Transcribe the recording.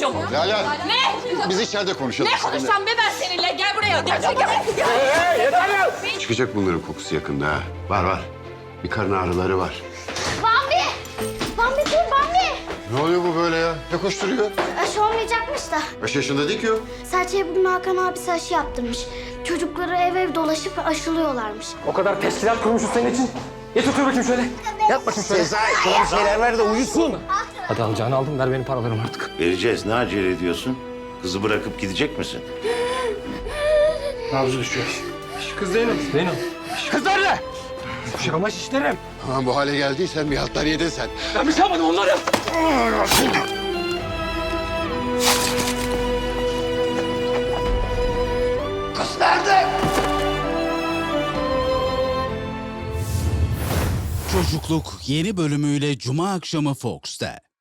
çocuğum. Lala. Ne? Biz içeride konuşalım. Ne konuşsam be ben seninle? Gel buraya. Gerçekten. Yeter ya! Çıkacak bunların kokusu yakında ha. Var. Bir karın ağrıları var. Bambi! Bambi dur Bambi! Ne oluyor bu böyle ya? Ne koşturuyor? Aşı olmayacakmış da. 5 yaşında değil ki o. Serçe bunun Hakan abisi aşı yaptırmış. Çocukları ev dolaşıp aşılıyorlarmış. O kadar teşkilat kurmuşuz senin için. Yat otur bakayım şöyle. Yat bakayım şöyle. Sezai, şuna bir şeyler ver de uyusun. Hadi alacağını aldım. Ver benim paralarımı artık. Vereceğiz. Ne acele ediyorsun? Kızı bırakıp gidecek misin? Nabzı düşüyor. Kız Zeynep. Zeynep. Kız nerede? Şırama şişlerim. Aman bu hale geldiysen bir hatlar yedin sen. Ben bir şey yapmadım onları. Kız nerede? Çocukluk yeni bölümüyle Cuma akşamı Fox'ta.